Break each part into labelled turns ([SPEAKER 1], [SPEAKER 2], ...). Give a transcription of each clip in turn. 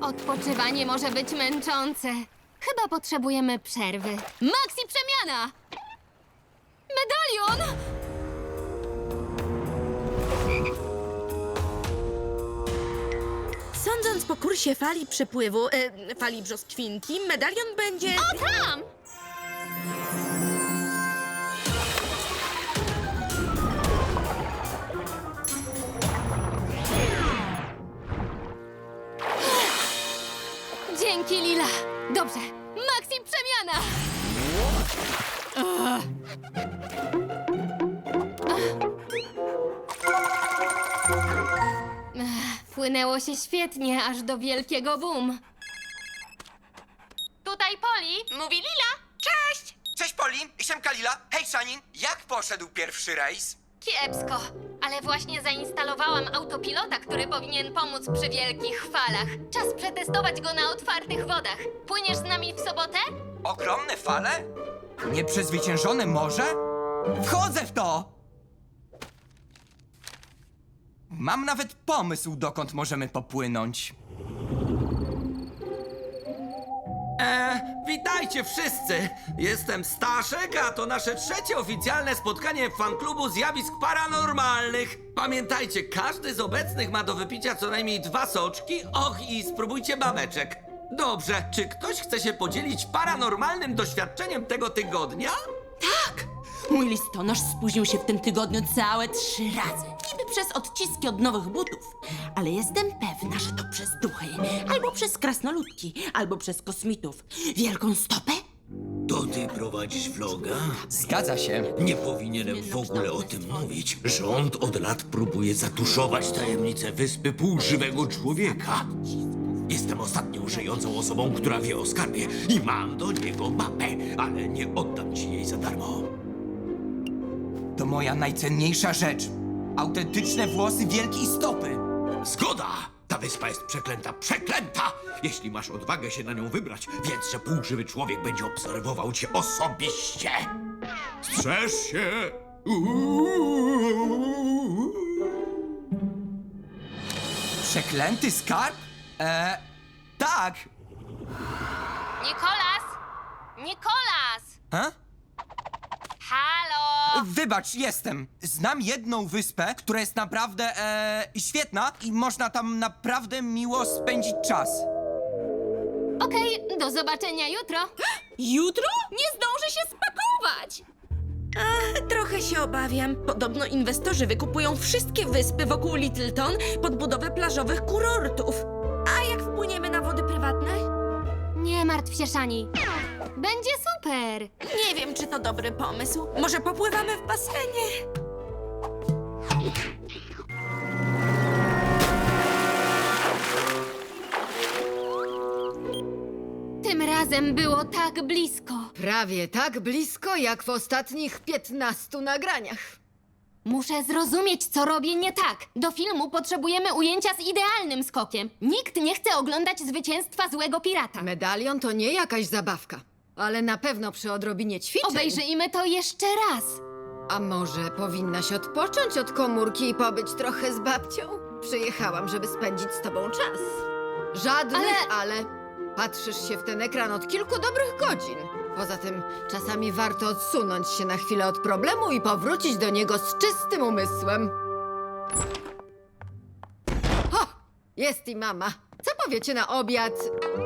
[SPEAKER 1] Odpoczywanie może być męczące. Chyba potrzebujemy przerwy. Maxi przemiana! Medalion!
[SPEAKER 2] Sądząc po kursie fali przepływu, fali brzoskwinki, medalion będzie...
[SPEAKER 1] O, tam! Dzięki, Lila. Dobrze. Maxi przemiana! Płynęło się świetnie, aż do wielkiego boom. Tutaj Poli, mówi Lila.
[SPEAKER 3] Cześć! Cześć Poli, siemka Lila. Hej Szanin, jak poszedł pierwszy rejs?
[SPEAKER 1] Kiepsko, ale właśnie zainstalowałam autopilota, który powinien pomóc przy wielkich falach. Czas przetestować go na otwartych wodach. Płyniesz z nami w sobotę?
[SPEAKER 3] Ogromne fale? Nieprzezwyciężone morze? Wchodzę w to! Mam nawet pomysł, dokąd możemy popłynąć.
[SPEAKER 4] Witajcie wszyscy! Jestem Staszek, a to nasze trzecie oficjalne spotkanie w fanklubu zjawisk paranormalnych. Pamiętajcie, każdy z obecnych ma do wypicia co najmniej 2 soczki. Och, i spróbujcie babeczek. Dobrze, czy ktoś chce się podzielić paranormalnym doświadczeniem tego tygodnia?
[SPEAKER 2] Tak! Mój listonosz spóźnił się w tym tygodniu całe 3 razy. Niby przez odciski od nowych butów. Ale jestem pewna, że to przez duchy. Albo przez krasnoludki, albo przez kosmitów. Wielką stopę?
[SPEAKER 5] To ty prowadzisz vloga?
[SPEAKER 3] Zgadza się.
[SPEAKER 5] Nie powinienem w ogóle o tym mówić. Rząd od lat próbuje zatuszować tajemnicę wyspy półżywego człowieka. Jestem ostatnią żyjącą osobą, która wie o skarbie i mam do niego mapę, ale nie oddam ci jej za darmo.
[SPEAKER 3] To moja najcenniejsza rzecz. Autentyczne włosy wielkiej stopy.
[SPEAKER 5] Zgoda! Ta wyspa jest przeklęta, przeklęta! Jeśli masz odwagę się na nią wybrać, wiedz, że półżywy człowiek będzie obserwował cię osobiście. Strzeż się!
[SPEAKER 3] Przeklęty skarb? Tak.
[SPEAKER 1] Nikolas! Nikolas!
[SPEAKER 3] Ha?
[SPEAKER 1] Halo!
[SPEAKER 3] Wybacz, jestem. Znam jedną wyspę, która jest naprawdę, świetna i można tam naprawdę miło spędzić czas.
[SPEAKER 1] Okej, do zobaczenia jutro.
[SPEAKER 2] Jutro?
[SPEAKER 1] Nie zdążę się spakować!
[SPEAKER 2] Trochę się obawiam. Podobno inwestorzy wykupują wszystkie wyspy wokół Littleton pod budowę plażowych kurortów. A jak wpłyniemy na wody prywatne?
[SPEAKER 1] Nie martw się, Szani. Będzie super.
[SPEAKER 2] Nie wiem, czy to dobry pomysł. Może popływamy w basenie?
[SPEAKER 1] Tym razem było tak blisko.
[SPEAKER 6] Prawie tak blisko, jak w ostatnich 15 nagraniach.
[SPEAKER 1] Muszę zrozumieć, co robię nie tak. Do filmu potrzebujemy ujęcia z idealnym skokiem. Nikt nie chce oglądać zwycięstwa złego pirata.
[SPEAKER 6] Medalion to nie jakaś zabawka, ale na pewno przy odrobinie ćwiczeń.
[SPEAKER 1] Obejrzyjmy to jeszcze raz.
[SPEAKER 6] A może powinnaś odpocząć od komórki i pobyć trochę z babcią? Przyjechałam, żeby spędzić z tobą czas. Żadnych ale... Patrzysz się w ten ekran od kilku dobrych godzin. Poza tym czasami warto odsunąć się na chwilę od problemu i powrócić do niego z czystym umysłem. O! Jest i mama. Co powiecie na obiad?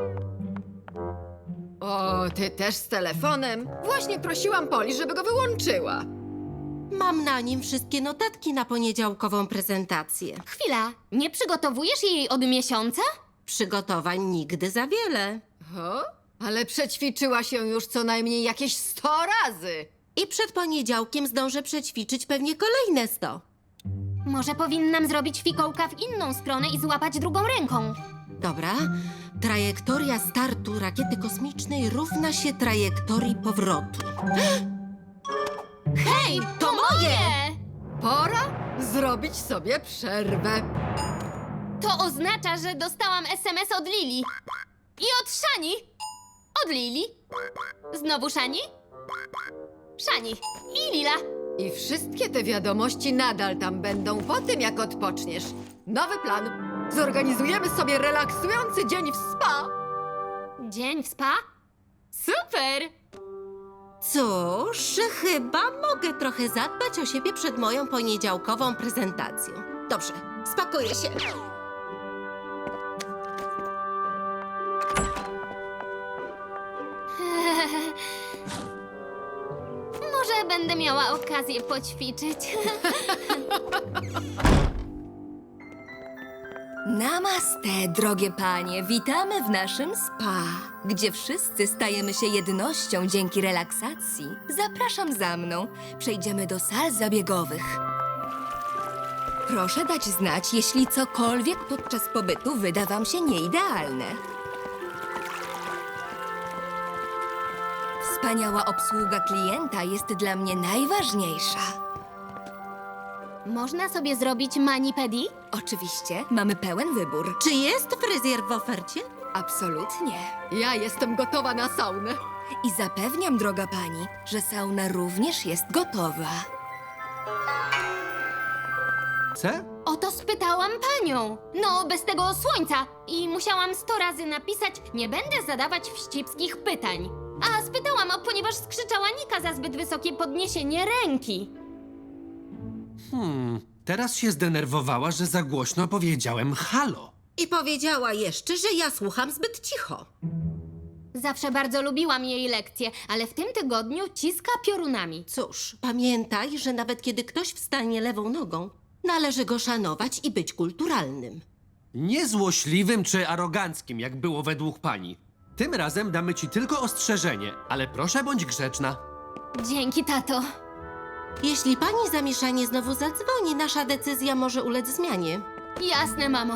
[SPEAKER 6] O, ty też z telefonem? Właśnie prosiłam Poli, żeby go wyłączyła.
[SPEAKER 2] Mam na nim wszystkie notatki na poniedziałkową prezentację.
[SPEAKER 1] Chwila, nie przygotowujesz jej od miesiąca?
[SPEAKER 2] Przygotowań nigdy za wiele.
[SPEAKER 6] O, ale przećwiczyła się już co najmniej jakieś 100 razy.
[SPEAKER 2] I przed poniedziałkiem zdążę przećwiczyć pewnie kolejne 100.
[SPEAKER 1] Może powinnam zrobić fikołka w inną stronę i złapać drugą ręką.
[SPEAKER 2] Dobra. Trajektoria startu rakiety kosmicznej równa się trajektorii powrotu.
[SPEAKER 1] Hej, to moje!
[SPEAKER 6] Pora zrobić sobie przerwę.
[SPEAKER 1] To oznacza, że dostałam SMS od Lili. I od Szani. Od Lili. Znowu Szani. Szani. I Lila.
[SPEAKER 6] I wszystkie te wiadomości nadal tam będą po tym, jak odpoczniesz. Nowy plan. Zorganizujemy sobie relaksujący dzień w spa.
[SPEAKER 1] Dzień w spa? Super!
[SPEAKER 2] Cóż, chyba mogę trochę zadbać o siebie przed moją poniedziałkową prezentacją. Dobrze, spakuję się.
[SPEAKER 1] Może będę miała okazję poćwiczyć.
[SPEAKER 7] Namaste, drogie panie. Witamy w naszym spa, gdzie wszyscy stajemy się jednością dzięki relaksacji. Zapraszam za mną. Przejdziemy do sal zabiegowych. Proszę dać znać, jeśli cokolwiek podczas pobytu wyda wam się nieidealne. Wspaniała obsługa klienta jest dla mnie najważniejsza.
[SPEAKER 1] Można sobie zrobić mani-pedi?
[SPEAKER 7] Oczywiście, mamy pełen wybór.
[SPEAKER 2] Czy jest fryzjer w ofercie?
[SPEAKER 7] Absolutnie.
[SPEAKER 6] Ja jestem gotowa na saunę.
[SPEAKER 7] I zapewniam, droga pani, że sauna również jest gotowa.
[SPEAKER 3] Co?
[SPEAKER 1] O to spytałam panią. No, bez tego słońca. I musiałam 100 razy napisać, nie będę zadawać wścibskich pytań. A spytałam, ponieważ skrzyczała Nika za zbyt wysokie podniesienie ręki.
[SPEAKER 8] Teraz się zdenerwowała, że za głośno powiedziałem halo.
[SPEAKER 2] I powiedziała jeszcze, że ja słucham zbyt cicho.
[SPEAKER 1] Zawsze bardzo lubiłam jej lekcje, ale w tym tygodniu ciska piorunami.
[SPEAKER 2] Cóż, pamiętaj, że nawet kiedy ktoś wstanie lewą nogą, należy go szanować i być kulturalnym.
[SPEAKER 8] Nie złośliwym czy aroganckim, jak było według pani. Tym razem damy ci tylko ostrzeżenie, ale proszę bądź grzeczna.
[SPEAKER 1] Dzięki, tato.
[SPEAKER 2] Jeśli pani zamieszanie znowu zadzwoni, nasza decyzja może ulec zmianie.
[SPEAKER 1] Jasne, mamo.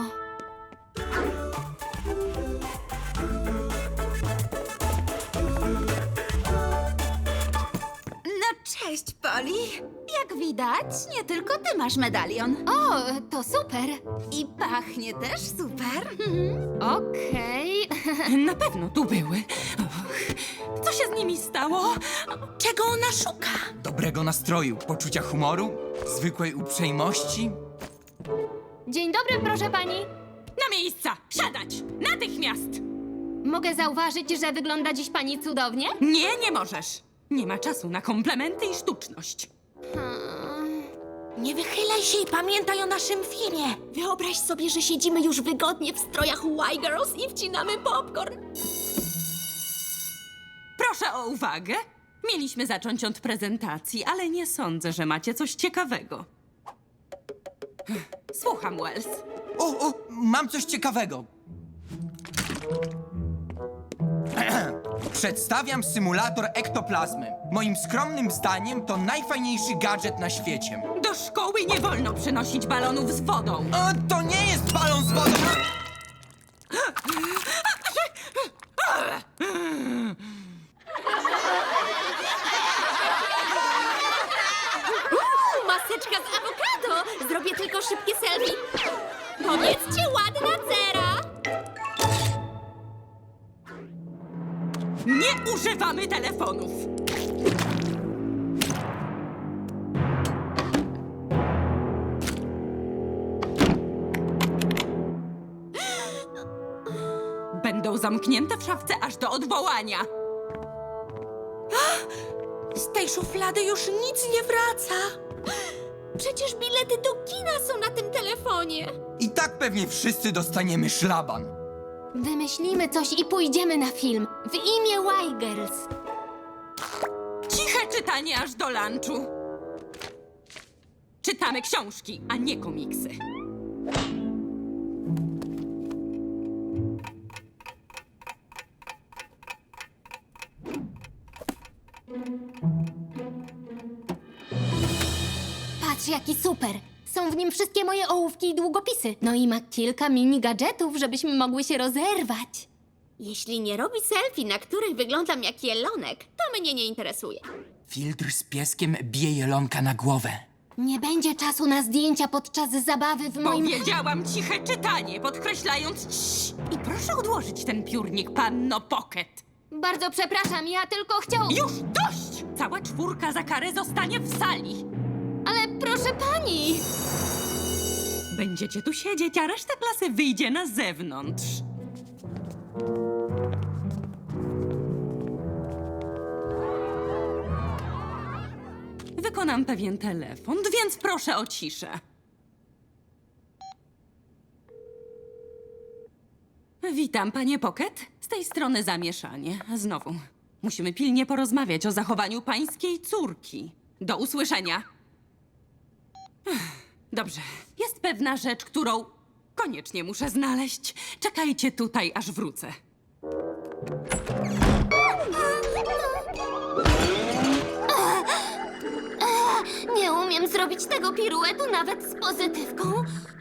[SPEAKER 9] No cześć, Poli. Jak widać, nie tylko ty masz medalion.
[SPEAKER 1] O, to super.
[SPEAKER 9] I pachnie też super.
[SPEAKER 1] Okej.
[SPEAKER 9] Na pewno tu były. Co się z nimi stało? Czego ona szuka?
[SPEAKER 3] Dobrego nastroju, poczucia humoru, zwykłej uprzejmości.
[SPEAKER 1] Dzień dobry, proszę pani.
[SPEAKER 9] Na miejsca! Siadać! Natychmiast!
[SPEAKER 1] Mogę zauważyć, że wygląda dziś pani cudownie?
[SPEAKER 9] Nie, nie możesz. Nie ma czasu na komplementy i sztuczność.
[SPEAKER 2] Nie wychylaj się i pamiętaj o naszym filmie.
[SPEAKER 9] Wyobraź sobie, że siedzimy już wygodnie w strojach Y-Girls i wcinamy popcorn. Proszę o uwagę. Mieliśmy zacząć od prezentacji, ale nie sądzę, że macie coś ciekawego. Słucham, Wells.
[SPEAKER 3] O, mam coś ciekawego. Przedstawiam symulator ektoplazmy. Moim skromnym zdaniem to najfajniejszy gadżet na świecie.
[SPEAKER 9] Do szkoły nie wolno przynosić balonów z wodą.
[SPEAKER 3] O, to nie jest balon z wodą!
[SPEAKER 1] Maseczka z awokado! Zrobię tylko szybkie selfie. Powiedzcie, ładna cera!
[SPEAKER 9] Nie używamy telefonów. Będą zamknięte w szafce aż do odwołania.
[SPEAKER 2] Z tej szuflady już nic nie wraca.
[SPEAKER 1] Przecież bilety do kina są na tym telefonie.
[SPEAKER 3] I tak pewnie wszyscy dostaniemy szlaban.
[SPEAKER 1] Wymyślimy coś i pójdziemy na film. W imię Y-Girls.
[SPEAKER 9] Ciche czytanie aż do lunchu. Czytamy książki, a nie komiksy.
[SPEAKER 1] Patrz, jaki super. Są w nim wszystkie moje ołówki i długopisy. No i ma kilka mini gadżetów, żebyśmy mogły się rozerwać.
[SPEAKER 10] Jeśli nie robi selfie, na których wyglądam jak jelonek, to mnie nie interesuje.
[SPEAKER 3] Filtr z pieskiem bije jelonka na głowę.
[SPEAKER 1] Nie będzie czasu na zdjęcia podczas zabawy w moim...
[SPEAKER 9] Powiedziałam ciche czytanie, podkreślając cii. I proszę odłożyć ten piórnik, panno Pocket.
[SPEAKER 1] Bardzo przepraszam, ja tylko chciał...
[SPEAKER 9] Już dość! Cała czwórka za karę zostanie w sali.
[SPEAKER 1] proszę pani!
[SPEAKER 9] Będziecie tu siedzieć, a reszta klasy wyjdzie na zewnątrz. Wykonam pewien telefon, więc proszę o ciszę. Witam, panie Pocket. Z tej strony zamieszanie. Znowu. Musimy pilnie porozmawiać o zachowaniu pańskiej córki. Do usłyszenia. Dobrze. Jest pewna rzecz, którą koniecznie muszę znaleźć. Czekajcie tutaj, aż wrócę.
[SPEAKER 1] Nie umiem zrobić tego piruetu nawet z pozytywką.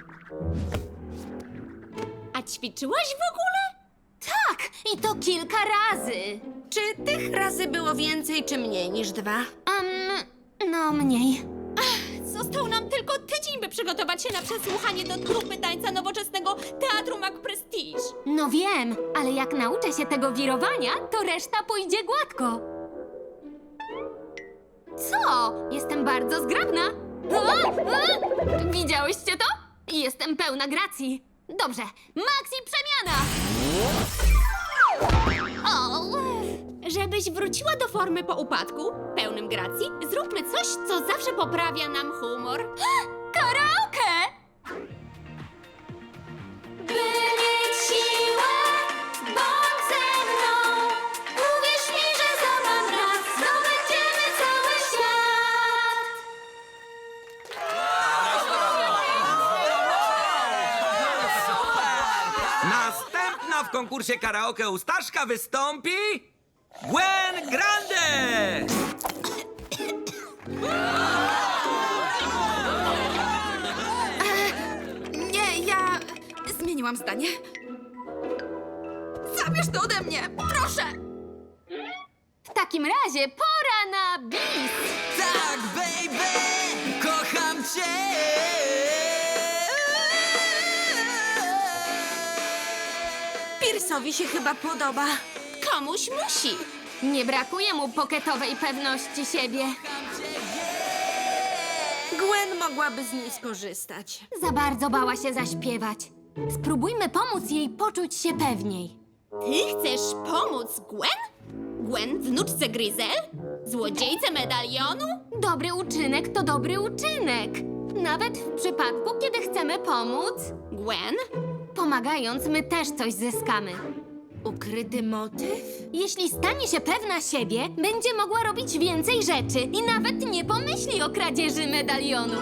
[SPEAKER 10] A ćwiczyłaś w ogóle?
[SPEAKER 1] Tak, i to kilka razy.
[SPEAKER 2] Czy tych razy było więcej, czy mniej niż 2?
[SPEAKER 1] No mniej.
[SPEAKER 10] Został nam tylko tydzień, by przygotować się na przesłuchanie do trupy tańca nowoczesnego Teatru Mac Prestige.
[SPEAKER 1] No wiem, ale jak nauczę się tego wirowania, to reszta pójdzie gładko. Co? Jestem bardzo zgrabna. Widziałyście to? Jestem pełna gracji. Dobrze, Maxi przemiana! O,
[SPEAKER 10] Żebyś wróciła do formy po upadku, pełnym gracji, zróbmy coś, co zawsze poprawia nam humor.
[SPEAKER 1] karaoke! By mieć siłę, bądź ze mną. Uwierz mi, że za mam raz zdobędziemy cały świat.
[SPEAKER 4] Następna w konkursie karaoke u Staszka wystąpi Gwen Grande!
[SPEAKER 2] Nie, ja zmieniłam zdanie. Zabierz to ode mnie, proszę!
[SPEAKER 1] W takim razie pora na bis.
[SPEAKER 3] Tak, baby! Kocham cię!
[SPEAKER 2] Pierce'owi się chyba podoba.
[SPEAKER 10] Komuś musi.
[SPEAKER 1] Nie brakuje mu poketowej pewności siebie.
[SPEAKER 2] Gwen mogłaby z niej skorzystać.
[SPEAKER 1] Za bardzo bała się zaśpiewać. Spróbujmy pomóc jej poczuć się pewniej.
[SPEAKER 10] Ty chcesz pomóc Gwen? Gwen, wnuczce Gryzel? Złodziejce medalionu?
[SPEAKER 1] Dobry uczynek to dobry uczynek. Nawet w przypadku, kiedy chcemy pomóc,
[SPEAKER 10] Gwen?
[SPEAKER 1] pomagając, my też coś zyskamy.
[SPEAKER 2] Ukryty motyw?
[SPEAKER 1] Jeśli stanie się pewna siebie, będzie mogła robić więcej rzeczy i nawet nie pomyśli o kradzieży medalionu.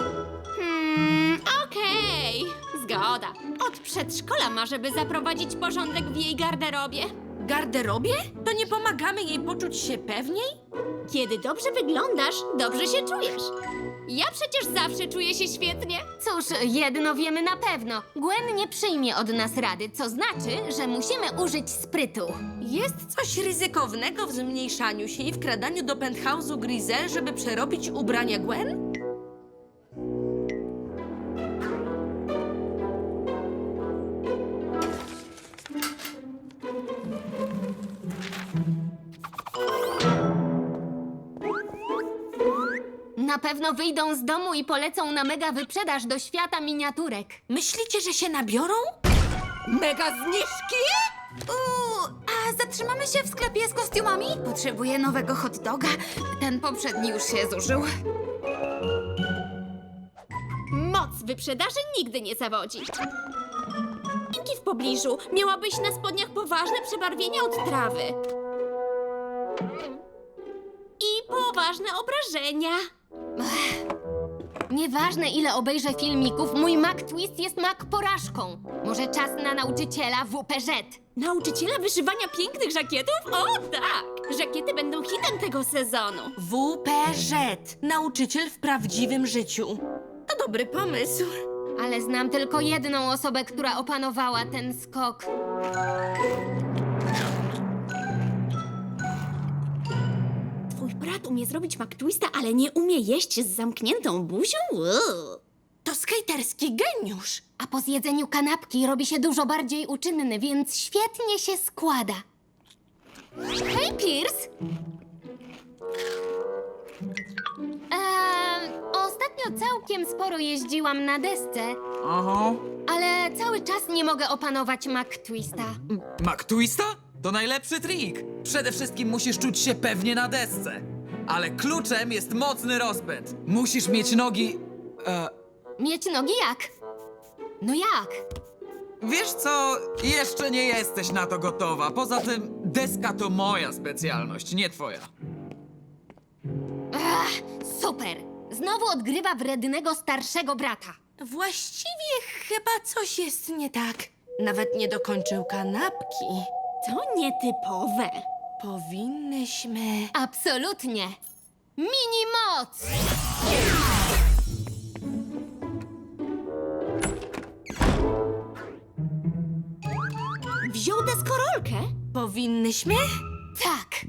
[SPEAKER 10] Okej. Zgoda. Od przedszkola marzy, by zaprowadzić porządek w jej garderobie.
[SPEAKER 2] Garderobie? To nie pomagamy jej poczuć się pewniej?
[SPEAKER 10] Kiedy dobrze wyglądasz, dobrze się czujesz. Ja przecież zawsze czuję się świetnie.
[SPEAKER 1] Cóż, jedno wiemy na pewno. Gwen nie przyjmie od nas rady, co znaczy, że musimy użyć sprytu.
[SPEAKER 2] Jest coś ryzykownego w zmniejszaniu się i wkradaniu do penthouse'u Gryzel, żeby przerobić ubrania Gwen?
[SPEAKER 1] Na pewno wyjdą z domu i polecą na mega wyprzedaż do świata miniaturek.
[SPEAKER 2] Myślicie, że się nabiorą?
[SPEAKER 6] Mega zniżki?
[SPEAKER 2] A zatrzymamy się w sklepie z kostiumami?
[SPEAKER 6] Potrzebuję nowego hot doga. Ten poprzedni już się zużył.
[SPEAKER 10] Moc wyprzedaży nigdy nie zawodzi. Dzięki w pobliżu miałabyś na spodniach poważne przebarwienia od trawy. I poważne obrażenia.
[SPEAKER 1] Nieważne, ile obejrzę filmików, mój Mac Twist jest Mac porażką. Może czas na nauczyciela WPŻ.
[SPEAKER 10] Nauczyciela wyszywania pięknych żakietów? O tak! Żakiety będą hitem tego sezonu.
[SPEAKER 2] WPŻ. Nauczyciel w prawdziwym życiu. To dobry pomysł.
[SPEAKER 1] Ale znam tylko jedną osobę, która opanowała ten skok.
[SPEAKER 10] Twój brat umie zrobić McTwista, ale nie umie jeść z zamkniętą buzią? Uuu.
[SPEAKER 2] To skejterski geniusz.
[SPEAKER 1] A po zjedzeniu kanapki robi się dużo bardziej uczynny, więc świetnie się składa. Hej, Pierce! Ostatnio Ostatnio całkiem sporo jeździłam na desce,
[SPEAKER 11] Aha.
[SPEAKER 1] ale cały czas nie mogę opanować McTwista.
[SPEAKER 11] McTwista? To najlepszy trik. Przede wszystkim musisz czuć się pewnie na desce. Ale kluczem jest mocny rozpęd. Musisz mieć nogi...
[SPEAKER 1] Mieć nogi jak? No jak?
[SPEAKER 11] Wiesz co? Jeszcze nie jesteś na to gotowa. Poza tym deska to moja specjalność, nie twoja.
[SPEAKER 1] Super! Znowu odgrywa wrednego starszego brata.
[SPEAKER 2] Właściwie chyba coś jest nie tak. Nawet nie dokończył kanapki.
[SPEAKER 10] To nietypowe.
[SPEAKER 2] Powinnyśmy...
[SPEAKER 1] Absolutnie! Mini moc!
[SPEAKER 10] Wziął deskorolkę?
[SPEAKER 2] Powinnyśmy?
[SPEAKER 1] Tak!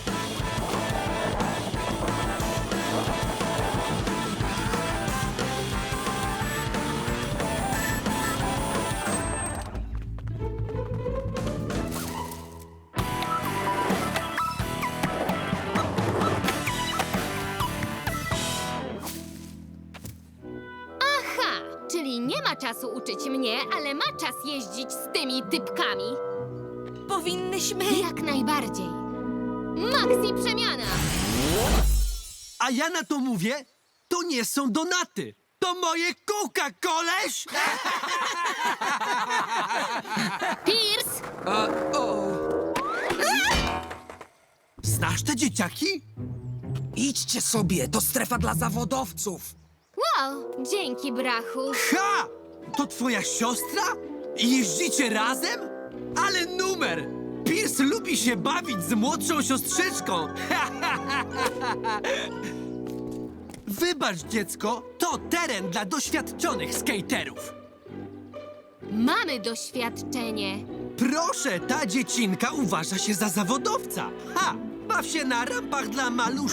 [SPEAKER 1] Aha, czyli nie ma czasu uczyć mnie, ale ma czas jeździć z tymi typkami.
[SPEAKER 2] Powinnyśmy...
[SPEAKER 1] Jak najbardziej. Maxi przemiana!
[SPEAKER 8] A ja na to mówię, to nie są donaty. To moje kółka, koleś!
[SPEAKER 1] Pierce!
[SPEAKER 8] Znasz te dzieciaki?
[SPEAKER 11] Idźcie sobie, to strefa dla zawodowców.
[SPEAKER 1] Wow, dzięki, brachu.
[SPEAKER 8] Ha! To twoja siostra? I jeździcie razem? Ale numer! Pierce lubi się bawić z młodszą siostrzyczką. Wybacz, dziecko, to teren dla doświadczonych skaterów.
[SPEAKER 1] Mamy doświadczenie.
[SPEAKER 8] Proszę, ta dziecinka uważa się za zawodowca. Ha! Baw się na rampach dla maluszków.